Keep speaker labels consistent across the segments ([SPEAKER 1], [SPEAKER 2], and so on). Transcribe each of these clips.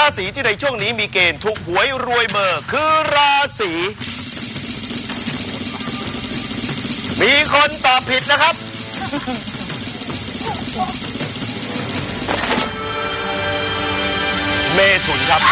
[SPEAKER 1] ราศีที่ในช่วงนี้มีเกณฑ์ถูกหวยรวยเบอร์คือราศีมีคนตอบผิดนะครับเมถุนครับ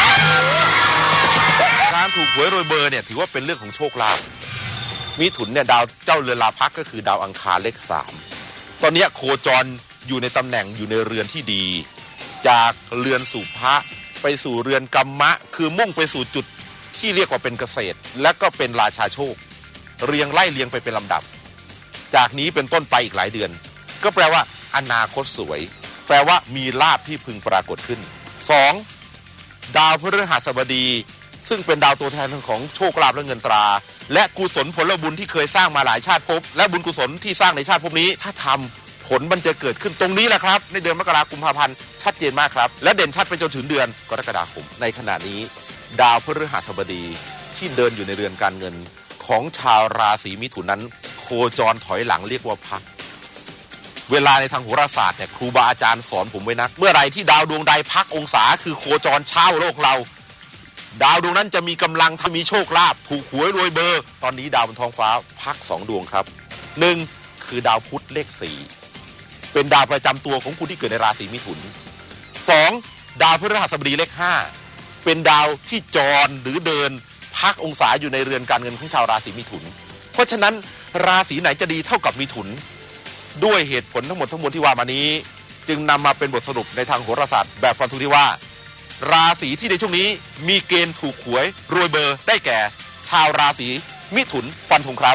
[SPEAKER 2] การถูกหวยรวยเบอร์เนี่ยถือว่าเป็นเรื่องของโชคลาภมิถุนเนี่ยดาวเจ้าเรือนลาภักก็คือดาวอังคารเลข3ตอนนี้โคจรอยู่ในตำแหน่งอยู่ในเรือนที่ดีจากเรือนสู่พระไปสู่เรือนกัมมะคือมุ่งไปสู่จุดที่เรียกว่าเป็นเกษตรและก็เป็นราชาโชคเรียงไล่เรียงไปเป็นลำดับจากนี้เป็นต้นไปอีกหลายเดือนก็แปลว่าอนาคตสวยแปลว่ามีลาภที่พึงปรากฏขึ้น2ดาวพฤหัสบดีซึ่งเป็นดาวตัวแทนของโชคลาภและเงินตราและกุศลผลบุญที่เคยสร้างมาหลายชาติภพและบุญกุศลที่สร้างในชาติภพนี้ถ้าทำผลมันจะเกิดขึ้นตรงนี้แหละครับในเดือนมกราคมกุมภาพันธ์ชัดเจนมากครับและเด่นชัดไปจนถึงเดือนกรกฎาคมในขณะนี้ดาวพฤหัสบดีที่เดินอยู่ในเรือนการเงินของชาวราศีมิถุนนั้นโคจรถอยหลังเรียกว่าพักเวลาในทางโหราศาสตร์เนี่ยครูบาอาจารย์สอนผมไว้นะเมื่อไรที่ดาวดวงใดพักองศาคือโคจรเช้าโลกเราดาวดวงนั้นจะมีกำลังถ้ามีโชคลาภถูกหวยรวยเบอร์ตอนนี้ดาวบนท้องฟ้าพัก2ดวงครับ1คือดาวพุธเลข4เป็นดาวประจำตัวของคุณที่เกิดในราศีมิถุน2ดาวพฤหัสบดีเลข5เป็นดาวที่จรหรือเดินพักองศาอยู่ในเรือนการเงินของชาวราศีมิถุนเพราะฉะนั้นราศีไหนจะดีเท่ากับมิถุนด้วยเหตุผลทั้งหมดทั้งมวลที่ว่ามานี้จึงนำมาเป็นบทสรุปในทางโหราศาสตร์แบบฟันธงที่ว่าราศีที่ในช่วงนี้มีเกณฑ์ถูกหวยรวยเบอร์ได้แก่ชาวราศีมิถุนฟันธงครับ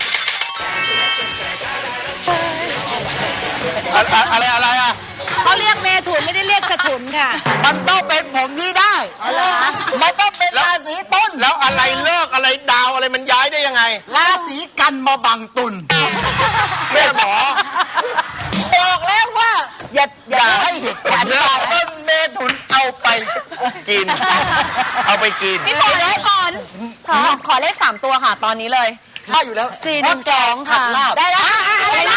[SPEAKER 2] อะไรอ่ะ
[SPEAKER 3] เขาเรียกเมถุนไม่ได้เรียกสถุนค่ะ
[SPEAKER 4] มันต้องเป็นผมที่ได้มันต้องเป็นราศีต้น
[SPEAKER 1] แล้วอะไรเลิกอะไรดาวอะไรมันย้ายได้ยังไง
[SPEAKER 4] ราศีกันมาบังตุน
[SPEAKER 1] แม่หมอ
[SPEAKER 4] บอกแล้วว่าอย่าให้เหตุผลต้นเมถุนเอาไป
[SPEAKER 1] กินเอาไปกิน
[SPEAKER 3] พี่ฝนขอเลข3ตัวค่ะตอนนี้เลย
[SPEAKER 4] ได้อยู่แล้ว
[SPEAKER 3] 412ค่ะได้แล้วอะไรนะ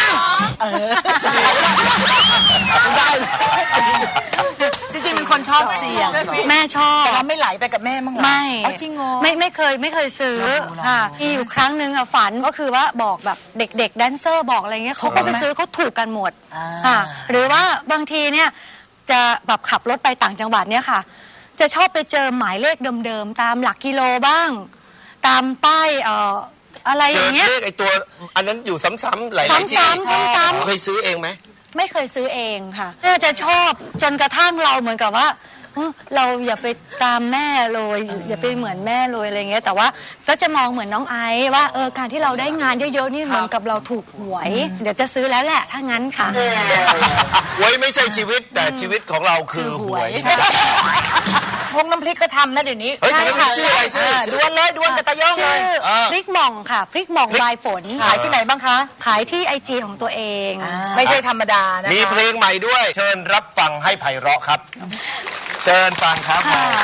[SPEAKER 4] ได้
[SPEAKER 3] จริงๆเป็นคนชอบเสี่ยงแม่ชอบ
[SPEAKER 4] เราไม่ไหลไปกับแม่มั้ง
[SPEAKER 3] ไม่
[SPEAKER 4] จริงเหรอ
[SPEAKER 3] ไม่เคยซื้อค่ะมีอยู่ครั้งหนึ่งอะฝันก็คือว่าบอกแบบเด็กๆแดนเซอร์บอกอะไรเงี้ยเขาก็ไปซื้อเขาถูกกันหมดค่ะหรือว่าบางทีเนี่ยจะแบบขับรถไปต่างจังหวัดเนี่ยค่ะจะชอบไปเจอหมายเลขเดิมๆตามหลักกิโลบ้างตามป้ายอะไรอย่างเงี้ย
[SPEAKER 1] เลขไอตัวอันนั้นอยู่ซ้ำๆหลาย
[SPEAKER 3] ๆที่ซ้ำ
[SPEAKER 1] เคยซื้อเองไหม
[SPEAKER 3] ไม่เคยซื้อเองค่ะน่าจะชอบจนกระทั่งเราเหมือนกับว่าเราอย่าไปตามแม่เลยอย่าไปเหมือนแม่เลยอะไรเงี้ยแต่ว่าก็จะมองเหมือนน้องไอซ์ว่าการที่เราได้งานเยอะๆนี่เหมือนกับเราถูกหวยเดี๋ยวจะซื้อแล้วแหละถ้างั้นค่ะ
[SPEAKER 1] หวยไม่ใช่ชีวิตแต่ชีวิตของเราคือหวย
[SPEAKER 4] พงน้ำพริกก็ทำนะเดี๋ยวนี้
[SPEAKER 1] ใช่ค่ะชื่ออะไรชื่อ
[SPEAKER 4] ดวลเลยดวลกับตะย่องเลย
[SPEAKER 3] พริกหม่องค่ะพริกหม่องลายฝน
[SPEAKER 4] ขายที่ไหนบ้างคะ
[SPEAKER 3] ขายที่IGของตัวเอง
[SPEAKER 4] ไม่ใช่ธรรมดานะ
[SPEAKER 1] มีเพลงใหม่ด้วยเชิญรับฟังให้ไพเราะครับเชิญฟังครับ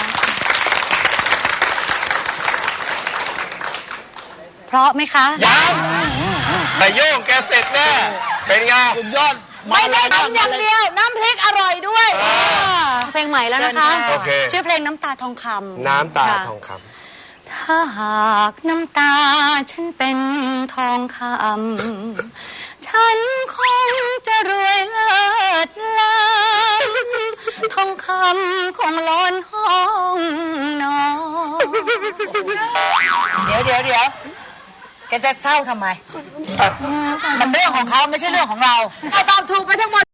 [SPEAKER 3] เพราะไหมคะ
[SPEAKER 1] ยังนายโย่งแกเสร็จแน่เป็นไง
[SPEAKER 4] สุดยอด
[SPEAKER 3] ไม่ได้ทำอย่างเดียวน้ำพริกอร่อยด้วยเพลงใหม่แล้วนะคะชื่อเพลงน้ำตาทองคำ
[SPEAKER 1] น้ำตาทองค
[SPEAKER 3] ำถ้าหากน้ำตาฉันเป็นทองคำฉันคงจะรวยเลิศล้ำทองคำคงล้นห้องนอน
[SPEAKER 4] เดี๋ยวแกจะเศร้าทำไมมันเรื่องของเขาไม่ใช่เรื่องของเราตอบถูกไปทั้งหมด